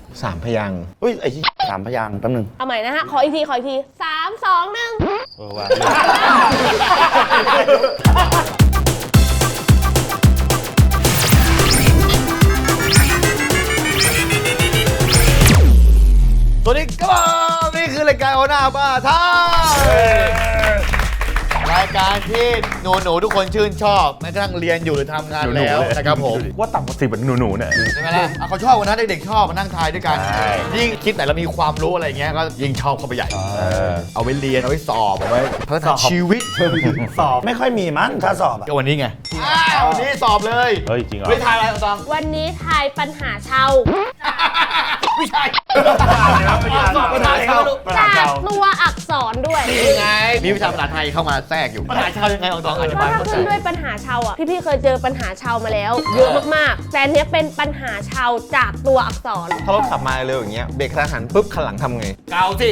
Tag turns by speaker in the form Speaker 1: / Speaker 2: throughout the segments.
Speaker 1: 3 พยางค์
Speaker 2: เฮ้ยไอ้ที่3 พยางค์แป๊บนึง
Speaker 3: เอาใหม่นะฮะ ขออีกที 3 2 1
Speaker 2: ว่าสวัสดีครับนี่คือรายการโอนาบ้าท่ารายการที่หนูทุกคนชื่นชอบแม้กระทั่งเรียนอยู่หรือทำงานแล้วนะครับผม
Speaker 4: ว่าต่ำกว่า10เป็นหนูเนี่ย
Speaker 2: ใช่ไหมล่ะเขาชอบวันนั้นเด็กๆชอบมานั่งทายด้วยกันยิ่งคิดไหนเรามีความรู้อะไรเงี้ยก็ยิ่งชอบเข้าไปใหญ่เอาไว้เรียนเอาไว้สอบเอาไว้พัฒนาชีวิต
Speaker 5: สอบไม่ค่อยมีมั้งถ้าสอบอะ
Speaker 2: ก็วันนี้ไงวันนี้สอบเลย
Speaker 4: เฮ้ยจริงเหรอ
Speaker 2: ไม่ทายอะไรตอง
Speaker 3: วันนี้ทายปัญหาชาว
Speaker 2: ไม่ใช่สอบปัญหาชาว
Speaker 3: จากตัวอักษรด้วย
Speaker 2: นี่ไงมีวิชาภาษาไทยเข้ามาแทรกอยู่ปัญหาชาวยังไงตองอธิ
Speaker 3: เพ
Speaker 2: บาย
Speaker 3: ราะถ้า
Speaker 2: เข้าใจ
Speaker 3: ขึ้นด้วยปัญหาชาวอ่ะ พี่ๆเคยเจอปัญหาชาวมาแล้ว เยอะมากๆ แต่อันเนี้ยเป็นปัญหาชาวจากตัวอักษร
Speaker 1: ถ้ารถขับมาเร็วอย่างเงี้ยเบรกกระทันหันปุ๊บคันหลังทำไง
Speaker 2: เกาสิ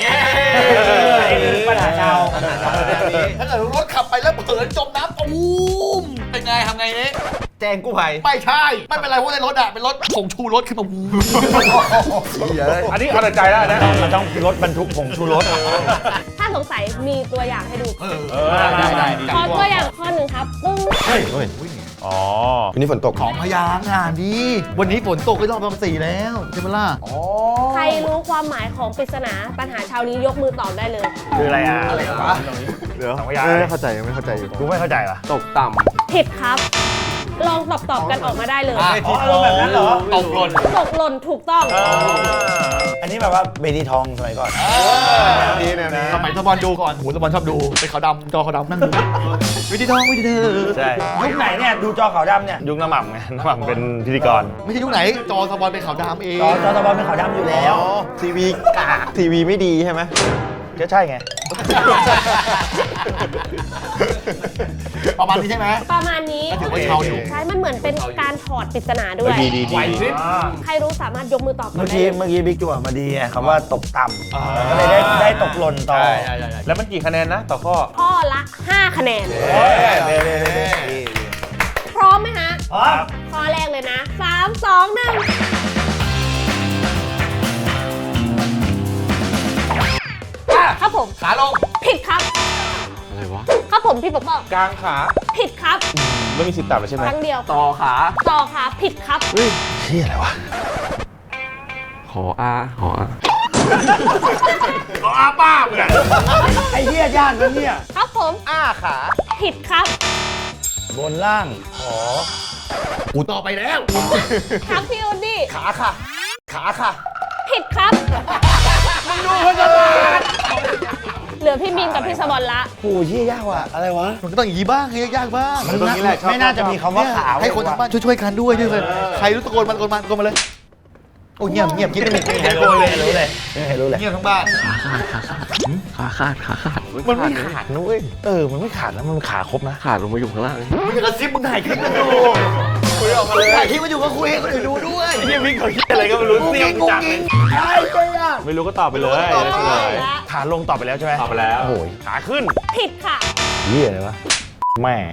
Speaker 5: ปัญหาชาว
Speaker 2: ถ้าเกิดรถขับไปแล้วเผลอจมน้ำตูมเป็นไงทำไงเนี่ย
Speaker 1: แจ้งกู้ภัย
Speaker 2: ไม่ใช่ไม่เป็นไรเพราะในรถอะเป็นรถผงชูรถขึ้นมา
Speaker 4: อันนี้เอาแต่ใจแล้วนะ
Speaker 5: มันต้องรถบรรทุกผงชูรส
Speaker 3: ถ้าสงสัยมีตัวอย่างให้ดู
Speaker 2: ได้
Speaker 3: ขอตัวอย่างข้อหนึ่งครับปึ้ง
Speaker 4: อ๋อ
Speaker 1: วันนี้ฝนตก
Speaker 2: ของพยางค์อ่ะดีวันนี้ฝนตกไปรอบประมาณ4แล้วใช่ไหมล่ะ
Speaker 3: ใครรู้ความหมายของปริศนาปัญหาชาวนี้ยกมือตอบได้เลย
Speaker 5: คืออะไรอ่ะ
Speaker 1: เดี๋ยว
Speaker 5: สองพยางค์
Speaker 1: ไม่เข้าใจไม่เข้าใจอยู่
Speaker 5: กูไม่เข้าใจว่ะ
Speaker 1: ตกต่
Speaker 3: ผิดครับ ลองตอบกันออกมาได้เลย
Speaker 2: อ๋อ
Speaker 5: อารมณ์แบบนั้นเหรอ
Speaker 2: ตกหล่น
Speaker 3: ตกหล่นถูกต้อง
Speaker 5: อันนี้แบบว่าเบดีทองสมัยก่อน
Speaker 1: ำนี่นะ
Speaker 2: สมัยตะบอลดูก่อนหูตะบอลชอบดูไปขาวดำจอขาวดำนั่งดูวิธีทองวิธีเธอ
Speaker 4: ใช่
Speaker 5: ยุคไหนเนี่ยดูจอขาวดำเนี่ย
Speaker 4: ยุคน้ำหม่ำไงน้ำหม่ำเป็นพิธีกร
Speaker 2: ไม่ใช่ยุคไหนจอตะบอลเป็นขาวดำเอง
Speaker 5: จอตะบอลเป็นขาวดำอยู่แล้ว
Speaker 1: ทีวีกากทีวีไม่ดีใช่ไหม
Speaker 5: ก็ใช่ไง
Speaker 2: ประมาณนี้ใช่ไหม
Speaker 3: ประมาณนี้
Speaker 2: ก็ถือว่าชาวอยู่
Speaker 3: ใช่ มันเหมือนเป็นการถอดปริศนาด้วย
Speaker 4: ดี
Speaker 3: ใครรู้สามารถยกมือตอบกั
Speaker 5: เมื่
Speaker 3: น
Speaker 5: อ
Speaker 3: ได้
Speaker 5: กี้
Speaker 3: เลย
Speaker 5: เมื่อกี้บิ๊กจั่วมาดีไงคำว่าตกต่ำก็เลยได้ตกหล่นต่อ
Speaker 4: แล้วมันกี่คะแนนนะต่อข้อ
Speaker 3: ข้อละ 5 คะแนน พร้อมไหมฮะ ข้อแรกเลยนะ 3 2 1 ครับผม
Speaker 2: ขาลง
Speaker 3: ผิดครับ
Speaker 1: อะไรวะ
Speaker 3: ครับผมพี่ปกป้อง
Speaker 4: กลางขา
Speaker 3: ผิดครับ
Speaker 4: ไม่มีสิทธิ์ตัดเลยใช่ไหม
Speaker 3: ครั้งเดียว
Speaker 1: ต่อขา
Speaker 3: ต่อขาผิดครับ
Speaker 5: เชี่ยอะไรวะ
Speaker 1: หออาหออา
Speaker 4: อาป้ามึงอะ
Speaker 5: ไอ้เหี้ยยากนะเนี่ย
Speaker 3: ครับผม
Speaker 1: อ้าขา
Speaker 3: ผิดครับ
Speaker 5: บนล่าง
Speaker 2: กูต่อไปแล้ว
Speaker 3: ครับพี่อุดดี้
Speaker 1: ขาค่ะ ขาค่ะ
Speaker 3: ผิดครับเหลือพี่มินกับพี่สบอลละ
Speaker 5: โอ้ยเชี่ยยากว่ะอะไรวะ
Speaker 2: มันก็ต้องอย่างนี้บ้างให้ยากบ้าง
Speaker 5: มันไม่น่าจะมีคำว่าขาว
Speaker 2: ให้คนทางบ้านช่วยๆกันด้วยด้วยใครรู้ตะโกนมาเลยโอ้เงียบคิดไม่มี
Speaker 5: ไม่รู้เลยรู้เลยไม่รู้เลย
Speaker 2: เงียบทั้งบ้าน
Speaker 1: ขาขาดขาขาด
Speaker 5: มันไม่ขาดนะเว้ยมันไม่ขาดนะมันขาครบนะ
Speaker 1: ขาดลงมาอยู่ข้างล่าง
Speaker 2: มึงจะกระซิบมึงถ่ายคลิปกันดูคุยออกมาเลยถ่ายคลิปมาอยู่ก็คุยให้คนอื่นดูด้วย
Speaker 4: พี่วิ่งเขาคิดอะไรก็ไม่รู้
Speaker 2: กู
Speaker 4: เสีย
Speaker 2: กิ
Speaker 4: ง
Speaker 2: นกู
Speaker 4: จัง
Speaker 2: กิน
Speaker 4: ไม่รู้ก็ตอบไปเลย
Speaker 2: ตอบไปเลย
Speaker 5: ขาลงตอบไปแล้วใช่ไหม
Speaker 4: ตอบไปแล้ว
Speaker 5: โอ้ย
Speaker 4: ขาขึ้น
Speaker 3: ผิดค่ะ
Speaker 5: เหี้ยอะไรวะแม่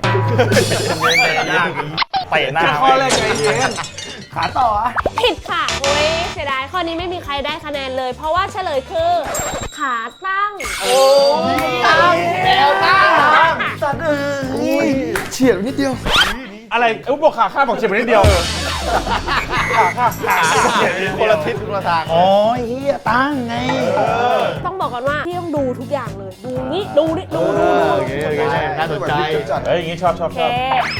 Speaker 5: เตะหน้า
Speaker 1: ข้อแรกไงเจน
Speaker 5: ขาต่ออะ
Speaker 3: ผิดค่ะโอ้ยเสียดายข้อนี้ไม่มีใครได้คะแนนเลย เพราะว่าเฉลยคือ ขาตั้ง
Speaker 2: ตั้งแนวตั้ง
Speaker 5: สัตว์เอ้ย
Speaker 1: เฉียดนิดเดียว
Speaker 4: อะไรบอกขาข้าบอกเฉียบไปนิดเดียวขา
Speaker 2: คนละทิศคนละทาง
Speaker 5: อ๋อเหี้ยตั้งไง
Speaker 3: ต้องบอกก่อนว่าพี่ต้องดูทุกอย่างเลย ดูนี่ดูนี่ดู
Speaker 2: โอเคน่าสนใจ
Speaker 4: เฮ้ยอย่างงี้ชอบ
Speaker 3: โอเค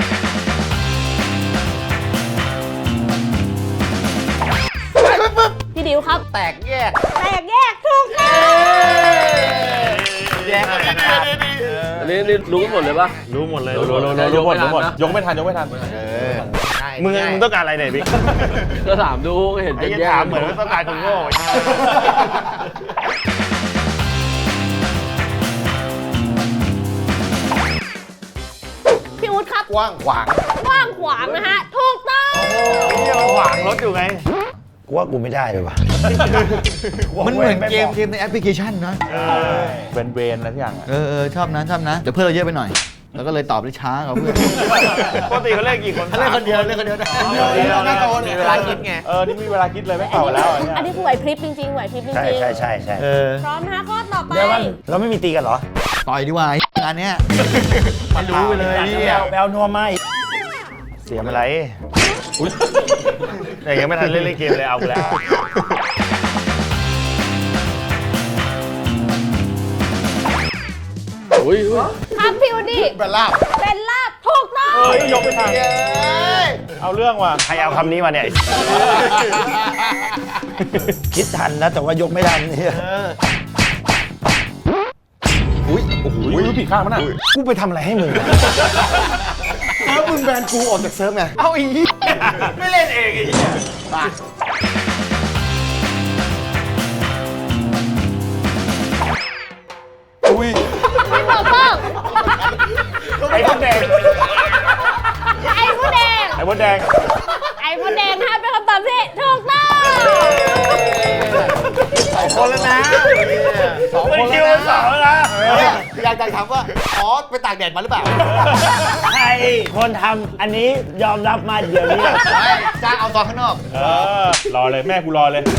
Speaker 3: พี่ดิวครับ
Speaker 2: แตกแยก
Speaker 3: แตกแยกถูกต้อง
Speaker 2: แยกกัน
Speaker 1: อันนี้รู้กันหมดเลยปะ
Speaker 4: รู้หมดเลยรู้หมดยกไม่ทัน
Speaker 5: มึงต้องการอะไรเนี่ยบิ๊ก
Speaker 1: ก็ถามดูเห็น
Speaker 5: ไอ้
Speaker 1: จะ
Speaker 5: ยัง
Speaker 1: แยก
Speaker 5: ถามเหมือนว่าต้องการคนโง่
Speaker 3: พี่อุ๊ดครับ
Speaker 2: กว้างขวาง
Speaker 3: กว้างขวางนะฮะ ถูกต้อง
Speaker 5: ขวางรถอยู่ไงกูว่ากูไม่ได้เลยว่ะ
Speaker 2: มันเหมือนเกมในแอปพลิเคชันนะ
Speaker 4: เวนอะไรทุกอย่าง
Speaker 2: ชอบนะเดี๋ยวเพื่อนเราเยอะไปหน่อยแล้วก็เลยตอบได้ช้ากับเพื่อน
Speaker 4: ปกติเขาเล่นกี่คน
Speaker 2: เล่นคนเดียวเล่นคนเดียวได้น่าโตเนี่ยเวลาคิดไง
Speaker 4: นี่มีเวลาคิดเลยไม่เป่าแล้ว
Speaker 3: อันนี้คือไหวพริบจริงๆไหวพริบจริง
Speaker 5: ใช่
Speaker 3: ๆ
Speaker 5: ใช่ใช่ใช่
Speaker 3: พร้อมนะคะข้อต่อไป
Speaker 5: เดี๋ยวมันเราไม่มีตีกันเหรอ
Speaker 2: ต่อยดีกว่างานเนี้ยไม่รู้ไปเลยพี่
Speaker 5: แบลนัวไม่เสียมอะไรแต่ยังไม่ทันเล่นเกมเลยเอาแล้ว
Speaker 1: อุ้ย
Speaker 3: ครับพี่วูดดี้
Speaker 2: เป็นลาบ
Speaker 3: เป็นลาบถูกต้อง
Speaker 4: เฮ้ยยกไปทางเอาเรื่องว่ะ
Speaker 5: ใครเอาคำนี้มาเนี่ย คิดทันนะแต่ว่ายกไม่ทันเนี่ย
Speaker 2: อุ้ยโอ้โห
Speaker 4: อุ้ยผิดข้างมันอ่ะ
Speaker 5: กูไปทำอะไรให้มึง
Speaker 2: แล้วมึงแบนกูออกจากเซิร์ฟไงเอาอีกไม่เล่นเองอีกอุ้ย
Speaker 3: ไม่ถูกต้อง
Speaker 4: ไอ้มดแดง
Speaker 3: ไอ้ผู้แดง
Speaker 4: ไอ้มดแดง
Speaker 3: ไอ้ผู้แดงนะคะเป็นคำตอบที่ถูกต้อง
Speaker 2: คนแล้วนะสองคนแล้วนะ
Speaker 5: สองแล้วนะ
Speaker 2: อยากถามว่าอ๋อไปตากแดดมาหรือเปล่า
Speaker 5: ใครคนทำอันนี้ยอมรับมาเดี๋ยวนี้
Speaker 2: ไม่จ้างเอาตอนข้างนอก
Speaker 4: รอเลยแม่กูรอเลย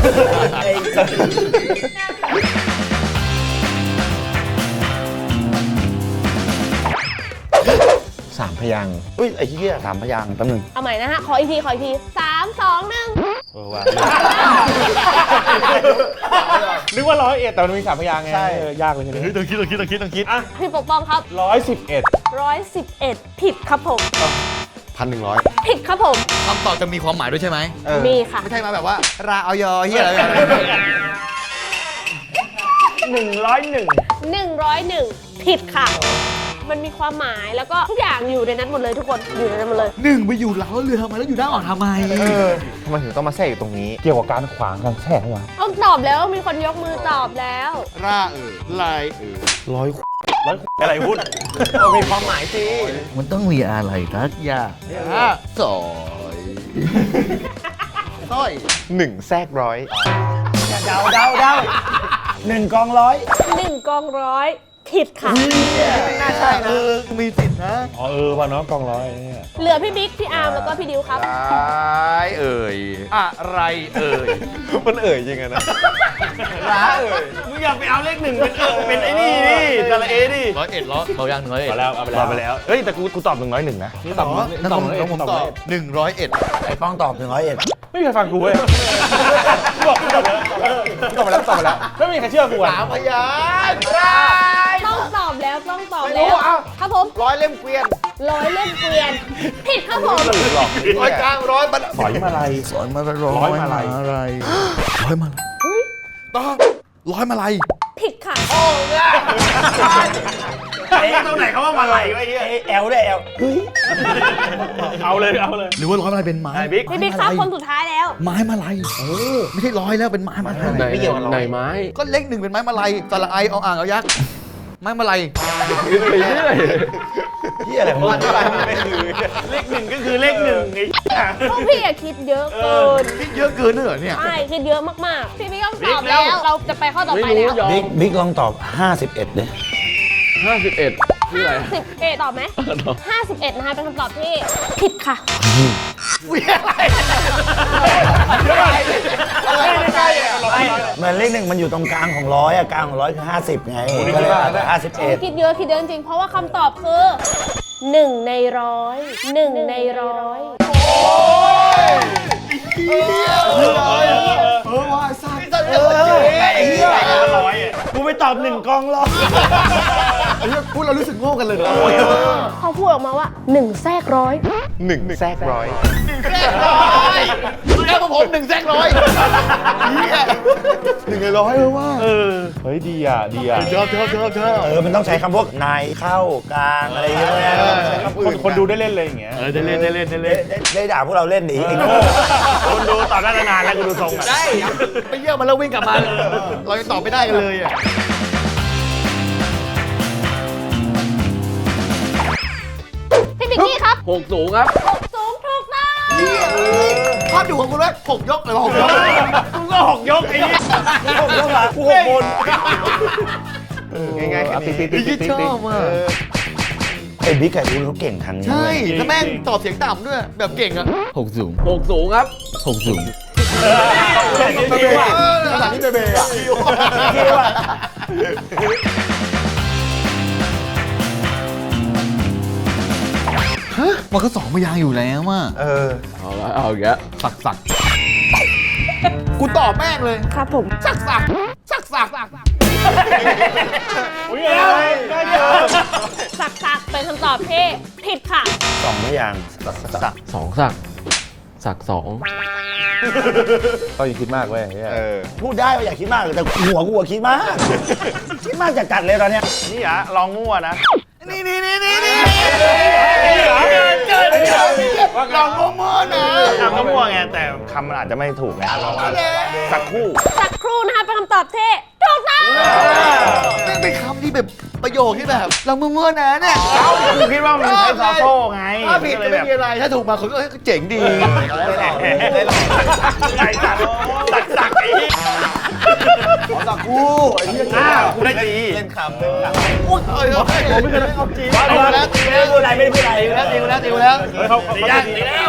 Speaker 5: สามพยางค์อุ้ยไอ้เหี้ยสามพยางค์แป๊บนึง
Speaker 3: เอาใหม่นะฮะขออีกที3 2 1
Speaker 5: ว่า
Speaker 4: นึกว่า101แต่มันมี3พยางค์ไงยากเลยทีนี้
Speaker 2: ต้องคิด
Speaker 4: อ่ะ
Speaker 3: พี่ปกป้องครับ
Speaker 4: 111
Speaker 3: 111ผิดครับผม
Speaker 2: 1,100
Speaker 3: ผิดครับผม
Speaker 2: คำตอบจะมีความหมายด้วยใช่ไหม
Speaker 3: มีค่ะ
Speaker 2: ไม่ใช่มาแบบว่าราเอายอเฮียอะไรแบบ
Speaker 3: 101ผิดค่ะ มันมีความหมายแล้วก็ทุกอย่างอยู่ในนั้นหมดเลยทุกคนอยู่ในนั้นหมดเลย
Speaker 2: หนึ่งไปอยู่หลังรถเรือทำไมแล้วอยู่ด้านอ่อนทำไม
Speaker 6: ทำไมถึงต้องมาแทรกอยู่ตรงนี้
Speaker 4: เกี่ยวกับการขวางการแทรกวะ
Speaker 3: ต้องตอบแล้วมีคนยกมือตอบแล้ว
Speaker 2: ราลาย
Speaker 4: อะไรพูด
Speaker 6: มีความหมายสิ
Speaker 2: มันต้องมีอะไรทักอย่างสอยสร้อย
Speaker 6: 1 แทรกร้อย
Speaker 5: เดา1 กองร้อย
Speaker 3: 1 กองร้อยผิดค่ะ
Speaker 2: ไม่น่าใช่นะมีสิทธินะ
Speaker 4: อ๋อว่ะเนาะกองร้อยเนี่ย
Speaker 3: เหลือพี่บิ๊กพี่อาร์มแล้วก็พี่ดิวครับ
Speaker 2: อะไรเอ่ย
Speaker 6: มันเอ่ยจริงอะนะ
Speaker 5: มึงอย่าไปเอาเลข1เป็นไอ้นี่นี่ตะละเอดิ
Speaker 2: 101เรายัง101
Speaker 4: เอาแล้วเอาไป
Speaker 5: รอไปแล้วเฮ้ยแต่กูตอบ101นะ
Speaker 2: ตอบน้องผมตอบ101
Speaker 5: ไอ้ป้องตอบ101
Speaker 4: ไม่มีใครฟังกูเว้ยกูบอกกูตอบแล้วตอบไปแล้วไม่มีใครเชื่อกูอ่ะ
Speaker 2: 3 พยาน
Speaker 3: ต้องตอบแล้วต้องตอบแล้วครับผม
Speaker 2: 100 เล่มเกวียน
Speaker 3: 100 เล่มเกวียนผิดครับผม
Speaker 2: 100 กลาง 100 บัน
Speaker 4: สอยมาลัย
Speaker 2: สอนมา100
Speaker 4: ร้อยมาลัย
Speaker 2: 100 มาลัยต้อง100 มาลัย
Speaker 3: ผิดค่ะ
Speaker 5: ไอ้ตรงไหนเขาว่ามาไหลไอ้เหี้ยแอลด้วยแอล
Speaker 4: เอาเลย
Speaker 2: หรือว่า100 มาลัยเป็นไม้
Speaker 5: บิ๊ก
Speaker 3: พี่บิ๊กครับคนสุดท้ายแล้ว
Speaker 2: ไม้มาลัยไม่ใช่100 แล้วเป็นไม้มาลัย
Speaker 1: ไหนไม้
Speaker 2: ก็เลข1เป็นไม้มาลัยสระไอเอาอ่างเอายักษ์ไม้มาลัย
Speaker 1: ไปเรื่อย
Speaker 5: เหี้ยอะไรของมึงเลข1ก็คือเลข1ไอ้
Speaker 3: พวกพี่อะคิดเยอะเกิน
Speaker 2: คิดเยอะเกินด้วยเหรอเนี่ย
Speaker 3: ใช่คิดเยอะมากๆ พี่บิ๊กต้องตอบแล้ว เราจะไปข้อต่อ
Speaker 1: ไม่
Speaker 3: ไป
Speaker 1: รู้
Speaker 3: แล้ว
Speaker 1: ยอม
Speaker 5: บิ๊กลองตอบ51ดิ
Speaker 1: 51ชื่ออะไร
Speaker 3: 51ตอบไหม51นะคะเป็นคำตอบที่ผิดค่ะ
Speaker 5: เหมือนเลข1มันอยู่ตรงกลางของ100อะกลางของ100คือ50ไงก็เลยอาจจะ51
Speaker 3: คิดเยอะจริงๆ เพราะว่าคำตอบคือ1 ใน 100 1 ใน
Speaker 5: กูไปตอบ1 กองร้อย
Speaker 2: พูดเรารู้สึกโง่กันเลย
Speaker 3: 100เขาพูดออกมาว่า 1 แทรกร้อย
Speaker 6: 1 แทรกร้อย
Speaker 2: แล้วผม1 แซกร้อย1 ใน 100เลยว่า
Speaker 4: เฮ้ยดีอ่ะ
Speaker 2: ชอบ
Speaker 5: มันต้องใช้คำพวกในเข้ากลางอะไรอย่างเงี้ย
Speaker 4: คนดูได้เล่นเลยอย่างเงี้ย
Speaker 2: ได้เล่น
Speaker 5: ได้ด่าพวกเราเล่นดิไอ้โง่คนดูตอบได้นานแล้วกูดูทรงอ่ะ
Speaker 2: ได้ไปเยี่ยมมาแล้ววิ่งกลับมาเรายังตอบไม่ได้กันเลยอ่ะ
Speaker 3: พี่บิ๊กกี้ครับ
Speaker 1: 6 สูงครับ
Speaker 3: สูงถูกต้อง
Speaker 2: ภาพดูของคุณว่า6 ยกหรือ6 ยก
Speaker 5: กูก็6 ยกไอ้นี่6 ยกเหรอกู6 บน
Speaker 6: ง่ายๆแค่นี้
Speaker 2: ชอบอ่ะ
Speaker 5: ไอ้บิ๊กไก่อูเขาเก่งทางนี้
Speaker 2: ใช่
Speaker 5: เว้ย
Speaker 2: แล้วแม่งตอบเสียงต่ำด้วย แบบเก่งอะหกสูง
Speaker 1: 6 สูงครับ
Speaker 2: หกสูง
Speaker 4: ภาษาที่เบย์อ่ะ
Speaker 2: มันก็สองพยางค์อยู่แล้วอ่ะ
Speaker 1: เอาละเอาอีกแล้ว
Speaker 2: สักกูตอบแม่งเลย
Speaker 3: ครับผม
Speaker 2: สัก
Speaker 4: อุ้ยอะไรได้เยอะ
Speaker 3: สักเป็นคำตอบที่ผิดค่ะ
Speaker 5: สองพยางค์
Speaker 1: 2 สัก 2
Speaker 4: ก็อย่าคิดมากเว้ย
Speaker 5: พูดได้ว่าอย่าคิดมากแต่หัวกูอะคิดมาก คิดมากจัดๆเลยตอนเนี้ย
Speaker 4: นี่อ่ะลองมั่วนะ
Speaker 2: นี่
Speaker 4: ลองมั่วนะทำก็มั่วไงแต่คำมันอาจจะไม่ถูกไงสักคู่
Speaker 3: สักครู่นะคะเป็นคำตอบที่ถูกต้อง
Speaker 2: นี่เป็นคำที่แบบประโยคที่แบบเราเมื่อๆนะเนี่ย
Speaker 4: กูคิดว่ามันใช้ซอโซ่ไง
Speaker 2: ถ้าผิดก็ไม่มีอะไรถ้าถูกมาคนก็เจ๋งดี
Speaker 4: ได้หรอไก่สักไอ้นี่สักคู่ไอ้นี่อ้าวกูได้จีเล่นคำ
Speaker 2: โอ้ยผมไม่เคยได้เอาจีนตีแล้วตีแล้ว
Speaker 4: เขาตีแล้ว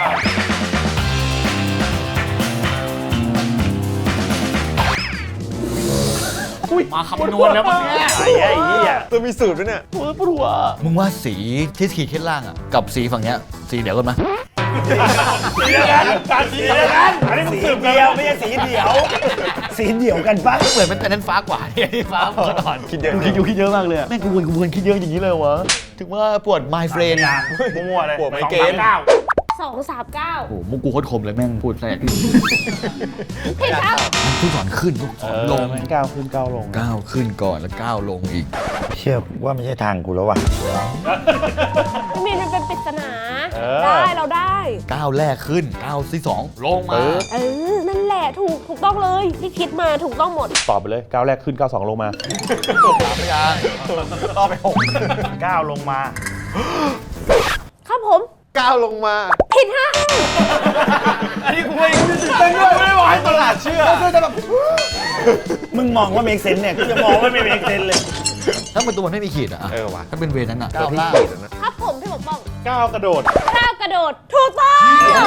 Speaker 2: มาคำนวณแล้วมั้งเนี่ย
Speaker 4: ไอ้เหี้ย
Speaker 6: ตัวมีสูตรด้วยเนี่ย
Speaker 2: มึงว่าสีที่ขีดขึ้นล่างอ่ะกับสีฝั่งเนี้ยสีเดียวกันไหม
Speaker 4: สีเดียวกันสีเดียวกันอันนี้มึง
Speaker 5: สี
Speaker 4: สืบ
Speaker 5: เดียวไม่ใช่สีเดียว สีเดียวกันปะ
Speaker 2: เหมือนเป็นแต่นั้นฟ้ากว่าเนี่ยฟ้าก่อนคิดเยอะคิดเยอะมากเลยแม่งกูวนคิดเยอะอย่างนี้เลยวะถึงว่าปวด my friend
Speaker 4: มั่วเลย
Speaker 6: ปวดไมเกรน
Speaker 3: 239
Speaker 2: โอ้โหมุกกูโคตรคมเลยแม่งพูดแทรก
Speaker 3: ผิดครับ
Speaker 2: ลูกศรขึ้นลูกศรลง
Speaker 4: ก้าวขึ้นก้าวลง
Speaker 2: ก้าวขึ้นก่อนแล้วก้าวลงอีก
Speaker 5: เชื่อว่าไม่ใช่ทางกูแล้วว่ะ
Speaker 3: พี่มีนมันเป็นปริศนา
Speaker 4: เออ
Speaker 3: ได้เราได้
Speaker 2: ก้าวแรกขึ้นก้าวที่สองลงมา
Speaker 3: เออ นั่นแหละถูกต้องเลยที่คิดมาถูกต้องหมด
Speaker 4: ตอบไปเลยก้าวแรกขึ้นก้าวสองลงมา
Speaker 2: ไม่ยังต่อไป6
Speaker 4: ก้าวลงมา
Speaker 3: ครับผม
Speaker 6: ก้าวลงมา
Speaker 3: ผิดฮะ
Speaker 4: อันนี้กูไม่เต้นด้วยไม่ไหวตลาดเชื่อ
Speaker 5: มึงมองว่าเมกเซนเนี่ยกูจะมองว่าไม่เมกเซนเลย
Speaker 2: ถ้ามันตัวมันไม่มีขีดอ่ะ
Speaker 6: ว่ะ
Speaker 2: ถ้าเป็นเวนั้นอ่ะก้าว
Speaker 6: ที่
Speaker 2: ล่าง
Speaker 6: ขีดอะนะ
Speaker 3: ครับผมพี่ปกป้อง
Speaker 4: ก้าวกระโดด
Speaker 3: ก้าวกระโดดถูกต้อง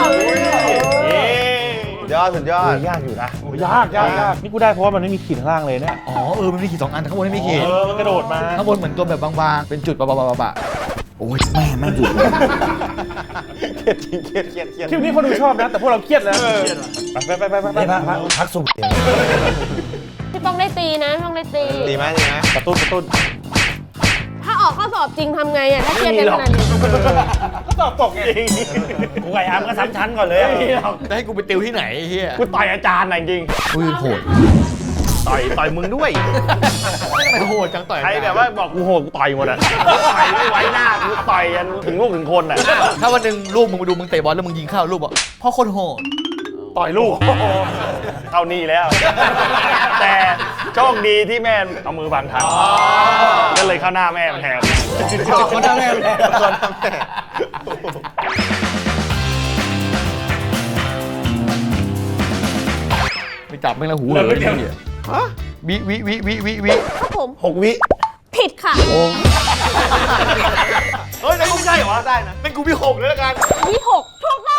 Speaker 6: สุดยอด
Speaker 5: ยากอยู่นะ
Speaker 4: ยากนี่กูได้เพราะว่ามันไม่มีขีดข้างล่างเลยเนี่ย
Speaker 2: อ๋อมันมีขีด2 อันแต่ข้างบนไม่มีขีด
Speaker 4: มันกระโดดมา
Speaker 2: ข้างบนเหมือนตัวแบบบางๆเป็นจุดปะโอ้ยแม่งจุด
Speaker 6: เครียด
Speaker 4: คลิปนี้คนดูชอบนะ แต่พวกเราเครียดแล้วไป
Speaker 5: ไม่พักสุก
Speaker 3: พี่ป้องได้ตีนะพี่ป้องได้ตี
Speaker 6: ดีไหม
Speaker 4: กระตุ้น
Speaker 3: ถ้าออกข้อสอบจริงทำไงอ่ะถ้าเครียดกันขนาดนี้
Speaker 4: ก็ตอบตกจริง
Speaker 5: กูไก่อาร์มก็ซ้ำชั้นก่อนเลย
Speaker 2: จะให้กูไปติวที่ไหนไอ้เฮีย
Speaker 4: กูต่อยอาจารย์น่ะจริง
Speaker 2: อุ้ยโหด
Speaker 4: ต่อยมึงด้วย
Speaker 2: ไม่โหดจังต่อย
Speaker 4: ใครแบบว่าบอกกูโหดกูต่อยหมดอ่ะต่อยไม่ไว้หน้ากูต่อยยันถึงลูกถึงคนอ่ะ
Speaker 2: ถ้าวันหนึ่งลูกมึงมาดูมึงเตะบอลแล้วมึงยิงเข้าลูกบอกพ่อโคตรโหด
Speaker 4: ต่อยลูกเท่านี้แล้ว แต่โชคดีที่แม่เอามือบังทันก็เลยเข้าหน้าแม่มันแทน
Speaker 2: เขาหน้าแม่เลยไปจับแม่งแล้วหูเลยวิ
Speaker 3: ครับผม
Speaker 5: 6 วิ
Speaker 3: ผิดค่ะ
Speaker 2: เฮ้ยไม่ใช่เหรอได้นะเป็นกูวิ6เลยละกัน
Speaker 3: วิหกถูกต้อง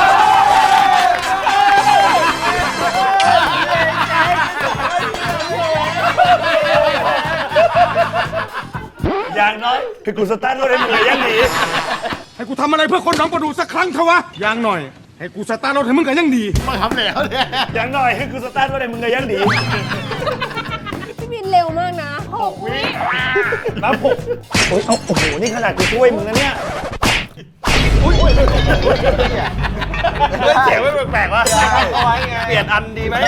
Speaker 5: อย่างน้อยคือกูสตาร์ทรถให้มึงเลยยังดี
Speaker 7: ให้กูทำอะไรเพื่อคนหนองประดูสักครั้งเถอะวะอย่างหน่อย ให้กูสตาร์ทรถให้มึงกันยังดี
Speaker 2: มาทำแล้วเนี่ย
Speaker 5: อย่างน้อยคือกูสตาร์ทรถให้มึงเลยยังดี
Speaker 3: พี่บินเร็วมากนะ6 วิ
Speaker 4: นับหก
Speaker 5: โอ้ยโอ้โห นี่ขนาดกูช่วยมึงนะเนี่ย
Speaker 4: เสียงไม่แปลกๆวะเปลี่ยนอันดีไหม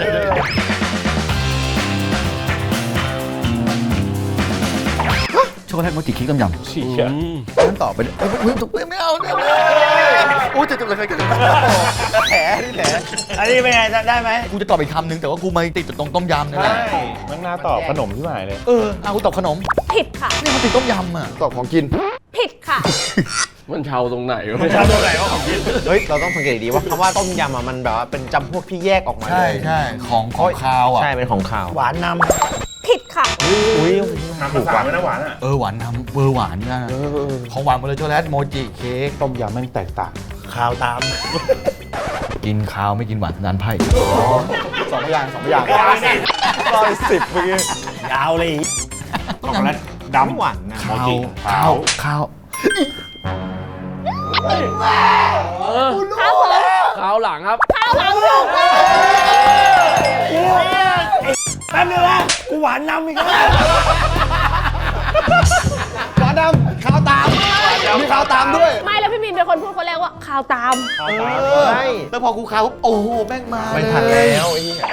Speaker 2: ช็อกโกแลตโมจิคิกต้มยำ
Speaker 4: ฉีก
Speaker 2: นั่นต่อไปไม่เอาโอ้ยจะอะไรกัน
Speaker 6: แผลนี่แหละ
Speaker 5: อันนี้เป็นไงได้ไหม
Speaker 2: กูจะตอบอีกคำนึงแต่ว่ากูมาติดตรงต้มยำนี่แหละ
Speaker 4: มันน่าตอบขนมที่หมายเลย
Speaker 2: เอากูตอบขนม
Speaker 3: ผิดค่ะ
Speaker 2: นี่มันติดต้มยำอ่ะ
Speaker 6: ตอบของกิน
Speaker 3: ผิดค่ะ
Speaker 1: มันเชาตรงไหนวะ
Speaker 4: ชาตัวไหนว่าของกิน
Speaker 6: เฮ้ย เราต้องสังเกตดีว่าคำว่าต้มยำอ่ะมันแบบว่าเป็นจำพวกที่แยกออกมาเลย
Speaker 2: ใช่ของคาวอ่ะ
Speaker 6: ใช่เป็นของขาว
Speaker 5: หวานน
Speaker 3: ผิดค่ะ
Speaker 4: ทำภาษาไม่น่าหวานอ่ะ
Speaker 2: หวานทำหวานนะของหวานหมดเลยช็อกโกแลตโมจิเค้ก
Speaker 6: ต้มยำแม่งแตกต่าง
Speaker 5: ข่าวตาม
Speaker 2: กินข้าวไม่กินหวานนานไพ่
Speaker 6: สองอย่าง110เมื่อกี้
Speaker 5: ยาวเลย
Speaker 4: ช็อกโกแลตดำ
Speaker 6: หวานนะ
Speaker 4: โมจิ
Speaker 2: ข้าว
Speaker 3: ครับผม
Speaker 1: คราวหลังครับ
Speaker 3: ข้าวหลังถูกต้อง
Speaker 5: แป๊บนึงนะกูหวานนำอีกแล้ว
Speaker 6: หวานดำข้าวตาม มีข้าวตามด้วย
Speaker 3: ไม่แล้วพี่มินเป็นคนพูดคนแรกว่าข้าวตาม
Speaker 6: ใช่
Speaker 2: แล้วพอกูข้าวปุ๊บโอ้โหแม่งมา
Speaker 6: ไม่
Speaker 2: เลย
Speaker 6: ทันแล้วไอ้เหี้ย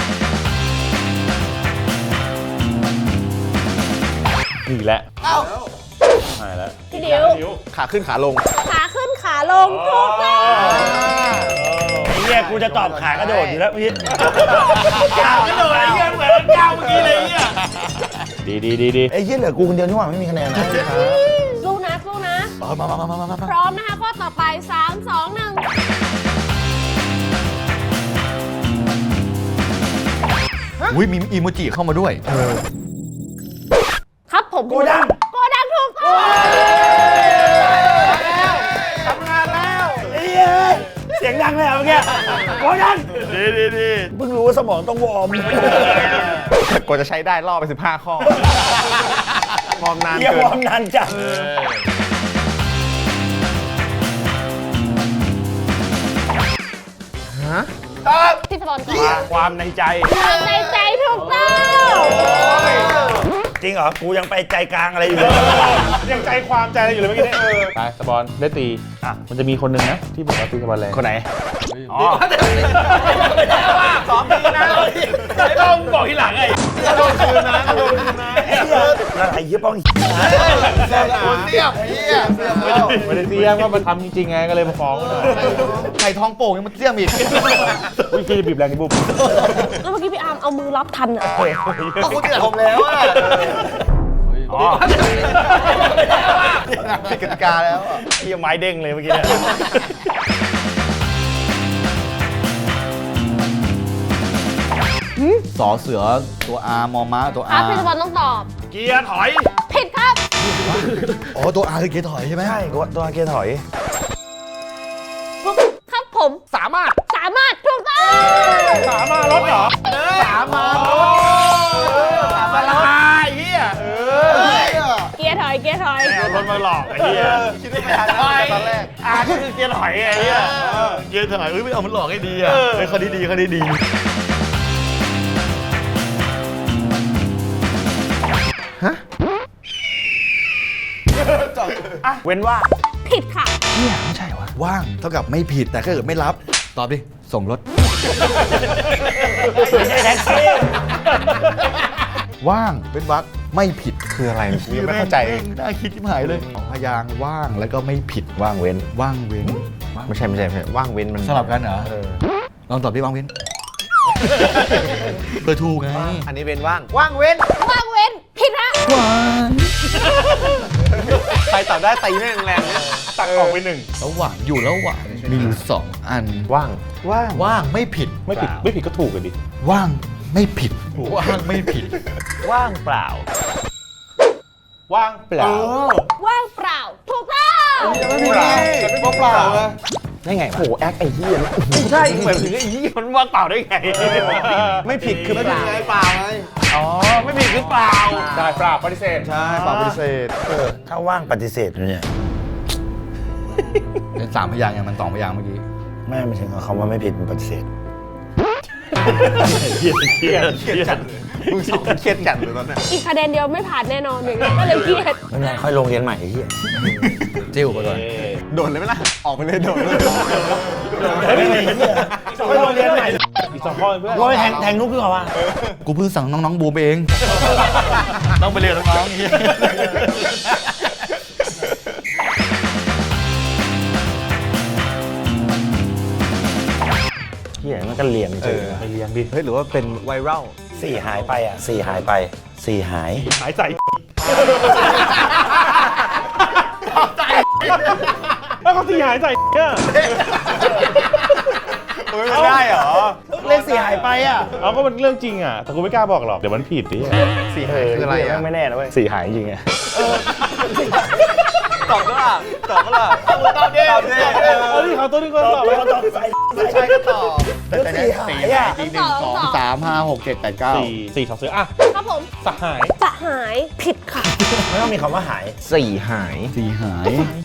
Speaker 4: นี่แหละใช่แล้ว
Speaker 3: พี่ดิว
Speaker 6: ขาขึ้นขาลง
Speaker 3: ขาขึ้นขาลงถูกต้อง
Speaker 5: ไอ้เหี้ยกูจะตอบขากระโดดอยู่แล้วพี่
Speaker 4: ก้าวกระโดดไอ้เหี้ยเหมือนก้าวเมื่อกี้เลยไอ้เหี้ยดี
Speaker 5: ไอ้เหี้ยเหลือกูคนเดียวนี่หว่าไม่มีคะแนนนะ
Speaker 3: สู้นะสู้นะ
Speaker 2: มา
Speaker 3: พร้อมนะคะข้อต่อไป 3 2 1
Speaker 2: อุ้ยมีอีโมจิเข้ามาด้วย
Speaker 3: ครับผม
Speaker 5: โกดัง
Speaker 3: โกดังถูกต้อง
Speaker 5: ทำงานแล้วไอ้เหี้ยเสียงดังเลยเหรอเมื่อกี้โกดัง
Speaker 4: ดี
Speaker 5: เพิ่งรู้ว่าสมองต้องวอร์ม
Speaker 6: กว่าจะใช้ได้ล่อไป15 ข้อมอมนาน
Speaker 5: เหี้ย
Speaker 6: เกิ
Speaker 5: วอร์ม
Speaker 6: น
Speaker 5: นานจัง
Speaker 3: พี่สปอนก่อน
Speaker 4: ความในใจ
Speaker 3: ความในใจถูกต้อง
Speaker 5: จริงเหรอ กูยังไปใจกลางอะไรอยู่เลย
Speaker 4: ยังใจความใจอะไรอยู่เลยเมื่อกี้เนี่ยไปสปอนได้ตีอ่ะมันจะมีคนหนึ่งนะที่บอกว่าตีสปอนแรงคนไหนอ๋อซ้อมดีนะไอ้บ้ามึงบอกทีหลังไงโดนคืนนะโดนคืนนะ
Speaker 5: แล้วไอ้เหี้ยป้อง
Speaker 2: เสียบเฮียเสียบแล้ว
Speaker 4: ไม่ได้เสียว่ามันทำจริงๆไงก็เลยมาฟ้องหน่อย
Speaker 2: ไข่ทองโป่งยังมันเสียบอีก
Speaker 4: วิธีบีบแรงที่บุบ
Speaker 3: แล้วเมื่อกี้พี่อาร์มเอามือรับทันอ่ะ
Speaker 2: ก็คุณจะทำแล้วอ่ะ
Speaker 4: อ๋อ
Speaker 2: ผิดกติกาแล้วอะ
Speaker 4: ไอ้ไม้เด้งเลยเมื่อกี้เนี่ย
Speaker 2: สอเสือตัวอา มอม้าตัว
Speaker 3: ครั
Speaker 2: อา
Speaker 3: บพี่สปอนต้องตอบ
Speaker 4: เกียร์ถอย
Speaker 3: ผิดครับ
Speaker 2: อ๋อตัวอาคือเกียร์ถอยใช่ไหม
Speaker 5: ใช่กูตัวเกียร์ถอย
Speaker 3: ครับผมสามารถถูกต้อง
Speaker 4: สามารถรถเหรอสามารถไอ้เหี้ย
Speaker 3: เกียร์ถอย
Speaker 4: เอารถมาหลอกไอ้เหี้ย
Speaker 6: คิดไม่ทันตอนแรก
Speaker 4: ก็คือเกียร์ถอยไอ้เหี้ย
Speaker 2: เกียร์ถอยไม่เอามันหลอกให้ดีอ่ะเฮ้ยเขาดีเขาดี
Speaker 4: เว้นว่า
Speaker 3: ผิดค่ะ
Speaker 2: เนี่ยไม่ใช่วะว่างเท่ากับไม่ผิดแต่ถ้าเกิดไม่รับตอบดิส่งรถ
Speaker 5: ไม่ใช่แท็กซี่
Speaker 2: ว่างเป็นวักไม่ผิด
Speaker 6: คืออะไรกูยังไม่เข้าใจ
Speaker 2: น่าคิดที่หายเลยสองพยางค์ว่างแล้วก็ไม่ผิด
Speaker 6: ว่างเว้น
Speaker 2: ว่างเว้น
Speaker 6: ไม่ใช่ว่างเว้นมัน
Speaker 2: สลับกันเหรอลองตอบดิว่างเว้นเบอร์ถูกไง
Speaker 6: อันนี้เว้นว่าง ว่างเว้น
Speaker 3: ว่างเว้นผิดฮะ
Speaker 6: ใครตอบได้ตีแม่งแรงเนี่ย
Speaker 4: ตัดออกไปหนึ่ง
Speaker 2: แล้วหวานอยู่แล้วหวานมีอยู่สองอัน
Speaker 6: ว่าง
Speaker 2: ว่างไม่ผิด
Speaker 4: ไม่ผิดก็ถูกกันดิ
Speaker 2: ว่างไม่ผิดว่างไม่ผิด
Speaker 6: ว่างเปล่า
Speaker 4: ว่างเปล่า
Speaker 3: ว่างเปล่าถูกต้อง
Speaker 6: ไม่เปล่าฉันไม่เปล่าได้ไงโหแอคไอ้เหี้ยใช่เหมือนถึงไอ้เหี้ย
Speaker 4: มันว่างเปล่าได้ไง
Speaker 6: ไม่ผิดคือเปล่า
Speaker 4: อ๋อไม่ผิดคือเปล่าใช่เปล่าปฏิเสธ
Speaker 6: ใช่เปล่าปฏิเสธ
Speaker 5: ถ้าว่างปฏิเสธเนี่ย
Speaker 2: เป็นสามพยางค์อย่างมันสองพยางค์เมื่อกี้
Speaker 5: ไม่ถึงคำว่าไม่ผิดมันปฏิเสธ
Speaker 4: เครียด
Speaker 6: มึงสองคนเครียดจัดเลยตอนเนี้ย
Speaker 3: อีกคะแนนเดียวไม่ผ่านแน่นอนอย่างนี้ก็เลยเครียด
Speaker 5: ไม่เป็นไรค่อยลงเรียนใหม่ไอ้เหี้ย
Speaker 2: จิ้วไปก่อน
Speaker 6: โดดเลยไหมล่ะ ออกไปเลยโดดเลย
Speaker 5: ค่อยลงเรียนใหม่
Speaker 4: อีกสองข้อเพื่อน
Speaker 5: โอ้ยแทงนุกดีกว่า
Speaker 2: กูเพิ่งสั่งน้องๆบูมไปเอง
Speaker 4: ต้องไปเรียนน้องๆอย่างเงี้ย
Speaker 5: เหี้ยมันก็เรียนจริง
Speaker 4: ไปเรียนดิ
Speaker 6: เฮ้ยหรือว่าเป็นไวรัล
Speaker 5: สี่หายไปอ่ะสี่หายไปสี่หาย
Speaker 4: หายใจแล้วเขาตีหายใจเนี่ย
Speaker 6: ไม่ได้เหรอ
Speaker 2: เลข
Speaker 5: 4หายไปอ่ะ
Speaker 4: เอาก็มันเรื่องจริงอ่ะแต่กูไม่กล้าบอกหรอกเดี๋ยวมันผิดดิ
Speaker 2: 4หายคืออะไรอ่ะ
Speaker 4: ไม่แน่นะเว้ย4หายจริงอ่ะ
Speaker 6: ตอบก็ล่ะตอบก็ล่ะ
Speaker 2: ตอบดิ
Speaker 4: เอาดิเขาตัวนี้ก่อนตอบเลย
Speaker 5: เขาตอบใส่
Speaker 2: ใช่ก็ตอบ
Speaker 5: แล้ว4หายอ่ะ
Speaker 2: จริง1 2 3 5 6 7 8 9
Speaker 4: 4 2 4อ่ะ
Speaker 3: ครับผม
Speaker 4: สหาย
Speaker 3: สหายผิดค่ะ
Speaker 5: ไม่ต้องมีคำว่าหาย
Speaker 6: 4 หาย
Speaker 2: 4หาย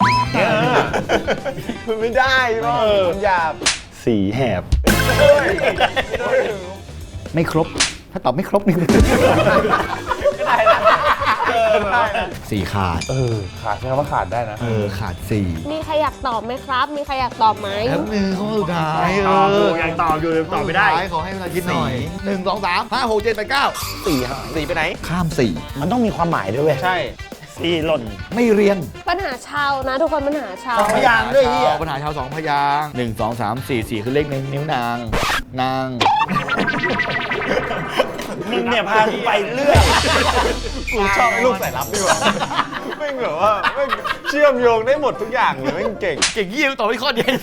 Speaker 6: มันไม่ได้ป่ะมันหยาบ
Speaker 4: 4แหบ
Speaker 2: ไม่ครบ ถ้าตอบไม่ครบนี่4ขาด
Speaker 4: ขาดใช่คำว่าขาดได้นะ
Speaker 2: ขาด4
Speaker 3: มีใครอยากตอบไหมครับ มีใครอยากตอบไหม
Speaker 2: แล้วหนึ่งข้อสุดท้าย
Speaker 4: ตอบอยู่ยังตอบอยู่ตอบไม่ได้
Speaker 2: ขอให้เวลาคิดหน่อย1 2 3 5 6 7 8 9
Speaker 6: 4 หาย4ไปไหน
Speaker 2: ข้าม
Speaker 5: มันต้องมีความหมายด้วยเว้ย
Speaker 6: ใช่
Speaker 4: 4หล่น
Speaker 2: 4 ไม่เรียง
Speaker 3: ปัญหาชาวนะ ทุกคนปัญหาชาว
Speaker 5: สองพยางค์ด้วยเฮีย
Speaker 2: ปัญหาชาว2 พยางค์1 2 3 4 4 คือเลขในนิ้วนาง นาง
Speaker 5: มึงเนี่ยพากูไปเรื่อย
Speaker 6: กูชอบลูกใส่รับดีกว่าไม่งแบบว่าไม่งเชื่อมโยงได้หมดทุกอย่างเลยไม่งเก่ง
Speaker 2: เก่งยี่ตอบไปข้อเดียว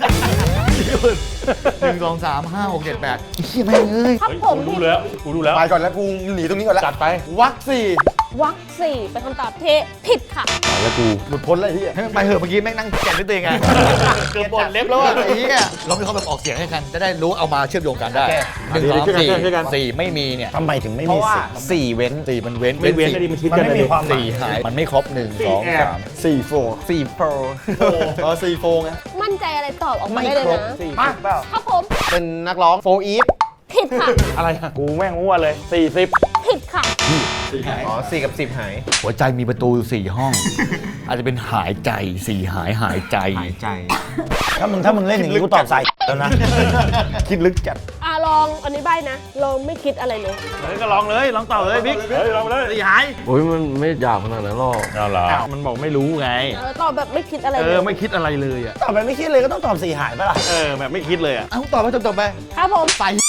Speaker 2: 1 2 3 5 6 7 8เฮียแม่งเอ้ย
Speaker 3: ครับผม
Speaker 4: กูรู้แล้วกูรู้แล้ว
Speaker 6: ไปก่อนแล้วกูหนีตรงนี้ก่อนแล้ว
Speaker 4: จัดไป
Speaker 6: วัก4
Speaker 3: วรรคสี่เป็นคำตอบที่ผิดค่ะ
Speaker 6: แล้วกูหลุดพ้นแล้วไอ้เฮีย
Speaker 2: ให้มันไปเถอะเมื่อกี้แม่งนั่งแก่นด้วยตัวเองไงเกือบบนเล็บแล้วอ่ะไอ้เหี้ยเรามีความแบบออกเสียงให้กัน จะได้รู้เอามาเชื่อมโยงกันได้1 2 4 4ไม่มีเนี่ย
Speaker 5: ทำไมถึงไม่
Speaker 6: เพ
Speaker 5: มี
Speaker 6: ราะว่า
Speaker 5: สิทธิ์
Speaker 6: 4 เว้น
Speaker 2: 4มันเว้น
Speaker 4: ไม่เว้นก็ดีมันคิด
Speaker 5: มัน
Speaker 4: กัน
Speaker 5: ไม่
Speaker 4: เลย
Speaker 5: มีความหมาย
Speaker 2: 4หายมันไม่ครบ1 2 3
Speaker 6: 4 4 4 4 4 4ไง
Speaker 3: มั่นใจอะไรตอบออกมาได้เลยนะ
Speaker 6: มาเปล่า
Speaker 3: ครับผม
Speaker 6: เป็นนักร้องโฟอีฟ
Speaker 3: ผิดค่ะ
Speaker 4: อะไรอ่ะกูแม่งมั่วเลย40
Speaker 3: ผิดค่ะ
Speaker 6: อ๋อ4 กับ 10 หาย
Speaker 2: หัวใจมีประตู4 ห้อง อาจจะเป็นหายใจ4หายใจ
Speaker 6: ใจ
Speaker 5: ถ้ามึงเล่นอย่างนี้กูตอบใส่แล้วนะ
Speaker 2: คิดลึกจัด
Speaker 3: ลองอันนี้ใบนะ ลองไม่คิดอะไรเลย
Speaker 4: เฮ้ยก็ลองเลยลองตอบเลยบิ๊กเฮ้ยลองเลย4หาย
Speaker 1: โอ้ยมันไม่ยาวขนาดนั้นหรอก
Speaker 4: เอาเหรอมันบอกไม่รู้ไง
Speaker 3: ตอบแบบไม่คิดอะไรเลย
Speaker 4: ไม่คิดอะไรเลยอ่ะ
Speaker 5: ตอบไปไม่คิดเลยก็ต้องตอบ4หายปะล่ะ
Speaker 4: แบบไม่คิดเลยอ่ะ
Speaker 2: เอ้าตอบไปจบไป
Speaker 3: ครับผม
Speaker 2: ใส่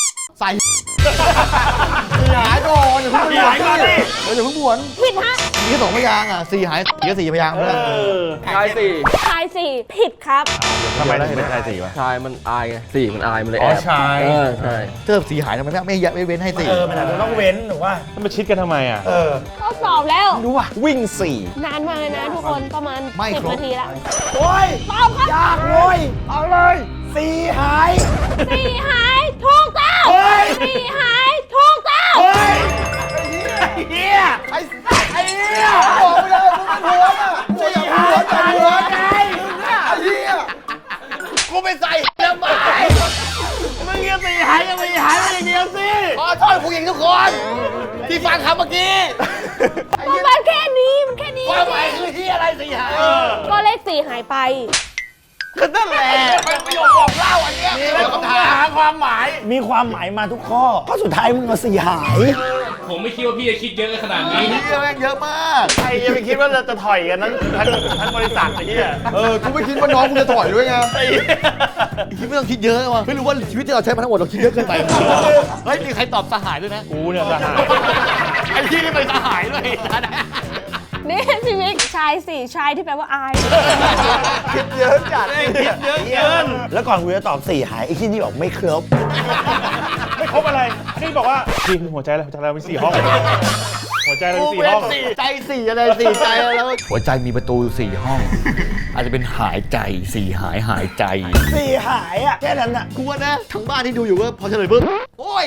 Speaker 2: 4หายก่อนอย่าเพิ่ง
Speaker 4: 4หายก่อนดิ
Speaker 2: อย่าเพิ่งบวน
Speaker 3: ผิดฮะ
Speaker 2: มี2 พยางค์อ่ะ4หายก็4 พยางค์เพื่อน
Speaker 1: ชายสี่
Speaker 3: ชายสี่ผิดครับ
Speaker 4: ทำไมถึงเป็นชาย4วะ
Speaker 1: ชายมันอายไงสี่มันอายมันเลย
Speaker 4: อ๋
Speaker 1: แอ
Speaker 4: อบ ชาย
Speaker 1: ใช่
Speaker 2: เทิบ4หายทำไมไม่เว้นให้4
Speaker 5: มันอาจจะต้องเว้นหรือว่า
Speaker 4: ต้องมาชิดกันทำไมอ่ะ
Speaker 3: ก็ตอบแล้ว
Speaker 6: รู้ว่ะวิ่ง
Speaker 3: นานมากเลยนะทุกคนประมาณ
Speaker 2: ไม่ครบ
Speaker 3: 10 นาทีละ
Speaker 5: โอ้ย
Speaker 3: ตอบครับ
Speaker 5: ยากโว้ยเอาเลย4หาย
Speaker 3: สี่หายถูกต้อง
Speaker 5: เฮ้ย
Speaker 3: สี่หายถูกต้อง
Speaker 5: เฮ้ยเฮียไอ้เฮียบอกไปเลยมึงเป็นหัวอ่ะมึงอย่าหัวใจหัวไงไอ้เฮีย
Speaker 2: กูไปใส่แล้วไหมมึงยัง4หายยัง4หายไม่อย่างเดียวสิขอโทษผู้หญิงทุกคน ที่ฟังคำเมื่อกี้
Speaker 3: มันแค่นี้มันแค่นี้
Speaker 2: ความหมายคือที่อะไร4หาย
Speaker 3: ก็เลขสี่หายไป
Speaker 2: ก็นั่นแหละเป็นประโยคบอกเล่าอันเนี้ยมีคำถามความหมาย
Speaker 5: มีความหมายมาทุกข้อข้อสุดท้ายมึงเอา4หาย
Speaker 8: ผมไม่คิดว่าพี่จะคิดเยอะขนาดนี้
Speaker 2: นี่แม่งเยอะมาก
Speaker 4: ใครจะไปคิดว่าจะถอยกันนั้นทั้งบริษัทไอ้เหี้ย
Speaker 2: กูไม่คิดว่าน้องกูจะถอยด้วยไงคิดไม่ต้องคิดเยอะว่ะไม่รู้ว่าชีวิตที่เราใช้มาทั้งหมดเราคิดเยอะเกินไปเฮ้ยมีใครตอบสหายด้วยนะ
Speaker 4: กูเนี่ยจะหาย
Speaker 2: ไอ้ที่นี่เป็นสหายด้วย
Speaker 3: นี่พี่มิกชายสี่ชายที่แปลว่าอาย
Speaker 6: คิดเยอะจัด
Speaker 4: คิดเยอะเกิน
Speaker 5: แล้วก่อนกูจะตอบ4หายไอ้ที่นี่บอกไม่ครบ
Speaker 4: ไม่ครบอะไรนี่บอกว่าพี่หัวใจเรามี4 ห้อง หัวใจเรามี4 ห้อง
Speaker 2: ใจ4อะไร4ใจแล้วหัวใจมีประตู4 ห้อง อาจจะเป็นหายใจ4หายใจ
Speaker 5: 4หายอ่ะแค่นั้นอ่ะ
Speaker 2: กูว่านะทั้งบ้านที่ดูอยู่ว่าพอเฉลยปุ๊บโอ้ย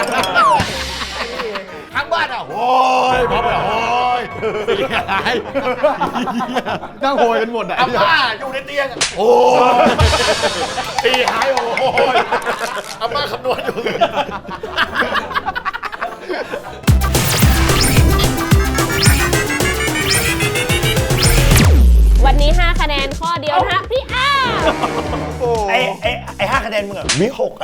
Speaker 2: ทั้งบ้านอ่ะโอ้ยพอไปโอ้ย4หายนั่งโหยกันหมดอ่ะอาม่าอยู่ในเตียงอะโอ้ย4หายโอ้ยอาม่าคำนวณอยู่
Speaker 3: วันนี้ 5 คะแนนข้อเดียวนะฮะพี่อ้า
Speaker 5: ไอ้5คะแนนมึงอ่ะวิ6ไอ้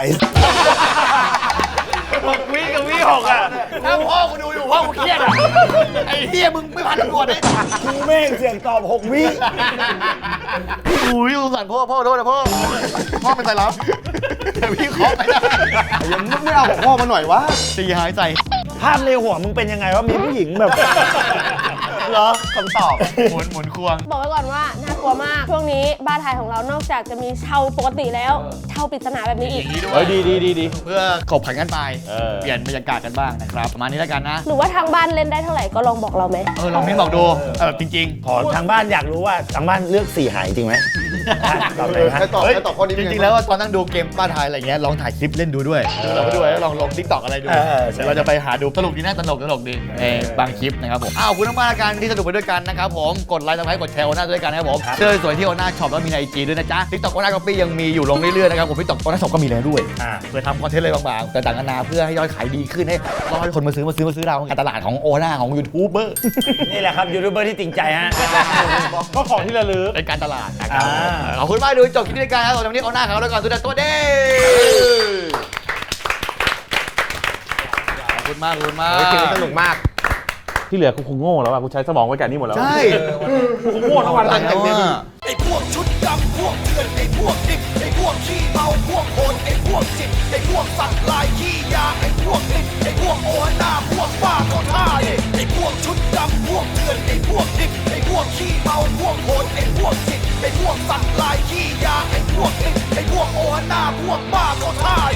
Speaker 4: 6 วิกับวิ 6อ่ะ
Speaker 2: ถ้าพ่อกูดูอยู่พ่อกูเครียดอ่ะไอ้เฮียมึงไม่พันตำรวจเลย
Speaker 5: กูแม่งเสียงตอบ6วิ
Speaker 2: อุ้ยสงสารพ่อโทษนะพ่อเป็นไตรับแต่พี่ขอไปได้
Speaker 6: ยังไม่เอาของพ่อมาหน่อยวะ
Speaker 2: 4หายใจ
Speaker 5: ภาพในหัวมึงเป็นยังไงว่ามีผู้หญิงแบบเหรอ
Speaker 6: คำตอบ
Speaker 2: หมุนควง
Speaker 3: บอกไว้ก่อนว่าน่ากลัวมาก ช่วงนี้บ้านไทยของเรานอกจากจะมีเช่าปกติแล้วเช่าปริศนาแบบนี้อีก
Speaker 6: เฮ้ยดี
Speaker 2: เพื่อกบผันกันไปเปลี่ยนบรรยากาศกันบ้างนะครับประมาณนี้แล้วกันนะ
Speaker 3: หรือว่าทางบ้านเล่นได้เท่าไหร่ก็ลองบอกเราไหม
Speaker 2: ลองมิ้นบอกดูจริง
Speaker 4: ขอทางบ้านอยากรู้ว่าทางบ้านเลือก4หายจริงไหมตอบเลยฮะ
Speaker 5: ให้ตอบข้อนี้
Speaker 2: ๆ จริงๆแล้วว่าตอนนั่งดูเกมบ้านไทยอะไรเงี้ยลองถ่ายคลิปเล่นดูด้วยเราไปด้วยแล้วลองลงทิกตอกอะไรดู
Speaker 4: ใช่
Speaker 2: เราจะไปหาดูสนุกดีนะตลกดีบางคลิปนะครับผมขอบคุณมากๆกันที่สนุกไปด้วยกันนะครับผมกดไลค์กดไลค์กดแชร์โอน่าด้วยกันนะครับผมเสื้อสวยที่โอน่าช็อปแล้วมีใน IG ด้วยนะจ๊ะทิกตอกโอน่าก๊อปปี้ยังมีอยู่ลงเรื่อยๆนะครับผมทิกตอกโอน่าช็อปก็มีแล้วด้วยเพื่อทำคอนเทนต์อะไรบางๆแต่ต่างกันานาเพื่อให้ยอดขายดีขึ้นให้รอให้คนมาซื้อเราการตลาดของโอน่าของยูทูบเบอร์
Speaker 4: นี่แหละครับยูทูบเบอร์ที่จริงใจฮะก็ของที่ระลึก
Speaker 2: เป็นการตลาดนะครับขอบคุณมากดูจบคลิปนี้กันครับวันนี้โอน่าเขาแล้วก่อนสุดตัวเด้ขอบคุณมาก
Speaker 5: สนุกมาก
Speaker 6: ที่เหลือกูคงโง่แล้วอ่ะกูใช้สมองไว้กับนี่หมดแล้ว
Speaker 2: ใช่
Speaker 6: กูคงโง่ทั้งวันเลย
Speaker 9: ไอ้พวกชุดดำพวกเถื่อนไอ้พวกดิบไอ้พวกขี้เมาพวกโหดไอ้พวกจิตไอ้พวกสัตว์ลายขี้ยาไอ้พวกลิ้นไอ้พวกโอหน้าพวกบ้าก็ท่าเนี่ยไอ้พวกชุดดำพวกเถื่อนไอ้พวกดิบไอ้พวกขี้เมาพวกโหดไอ้พวกจิตไอ้พวกสัตว์ลายขี้ยาไอ้พวกลิ้นไอ้พวกโอหน้าพวกบ้าก็ท่า